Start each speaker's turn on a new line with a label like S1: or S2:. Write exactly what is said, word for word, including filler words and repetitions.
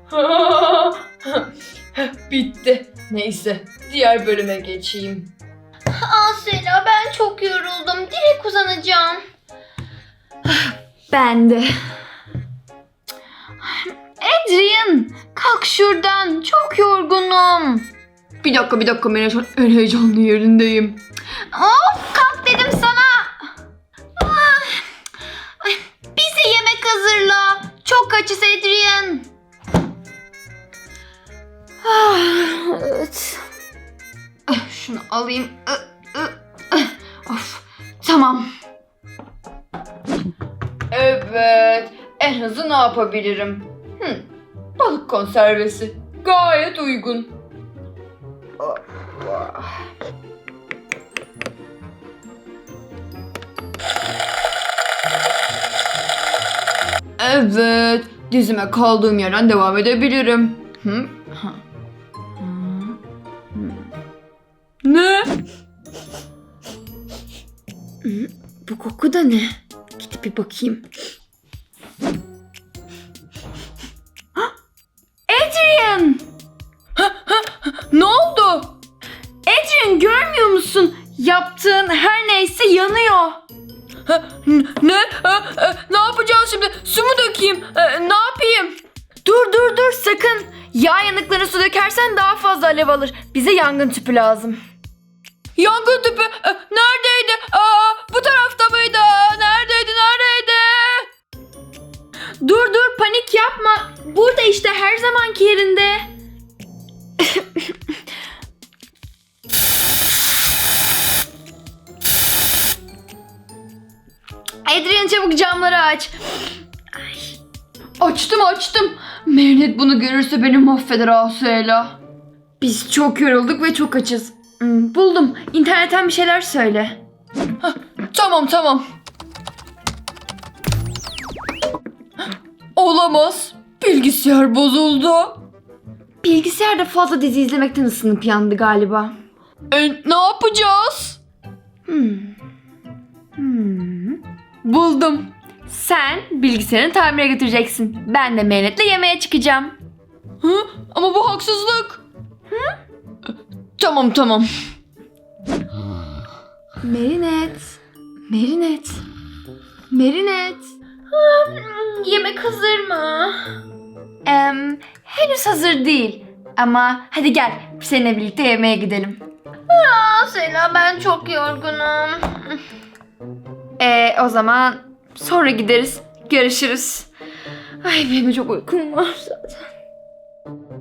S1: Bitti. Neyse, diğer bölüme geçeyim.
S2: Asela, ben çok yoruldum. Direkt uzanacağım.
S3: Ben de. Adrian, kalk şuradan. Çok yorgunum.
S1: Bir dakika bir dakika ben şu an en heyecanlı yerindeyim.
S3: Of, kalk dedim sana. Ah, ay, bize yemek hazırla. Çok açız Adrian. Ah, evet. Ah, şunu alayım. Ah, ah, ah. Of, tamam.
S1: Evet, en hızlı ne yapabilirim? Hmm, balık konservesi. Gayet uygun. Evet, dizime kaldığım yerden devam edebilirim. Hı? Ha. Hı. Hı. Ne?
S3: Hı, bu koku da ne? Gidip bir bakayım. Hah! Adrian!
S1: Ne oldu?
S3: Adrian, görmüyor musun? Yaptığın her neyse yanıyor.
S1: Ha, n- ne? Ha, e, ne yapacağız şimdi? Su mu dökeyim? E, ne yapayım?
S3: Dur dur dur, sakın. Yağ yanıklarına su dökersen daha fazla alev alır. Bize yangın tüpü lazım.
S1: Yangın tüpü e, neredeydi? Aa, bu tarafta mıydı? Neredeydi? Neredeydi?
S3: Dur dur, panik yapma. Burada işte, her zamanki yerinde. Adrian, çabuk camları aç.
S1: Açtım açtım. Mehmet bunu görürse beni mahveder Asela.
S3: Biz çok yorulduk ve çok açız. Hmm, buldum. İnternetten bir şeyler söyle.
S1: Tamam tamam. Olamaz. Bilgisayar bozuldu.
S3: Bilgisayarda fazla dizi izlemekten ısınıp yandı galiba.
S1: E, ne yapacağız?
S3: Hmm. Hmm. Buldum. Sen bilgisayarını tamire götüreceksin. Ben de Mehmet'le yemeğe çıkacağım.
S1: Hı? Ama bu haksızlık. Hı? Tamam tamam.
S3: Merinet. Merinet. Merinet. Hmm, yemek hazır mı? Em, henüz hazır değil. Ama hadi gel, seninle birlikte yemeğe gidelim.
S2: Asela, ben çok yorgunum.
S3: Ee, o zaman sonra gideriz. Görüşürüz. Ay, benim de çok uykum var zaten.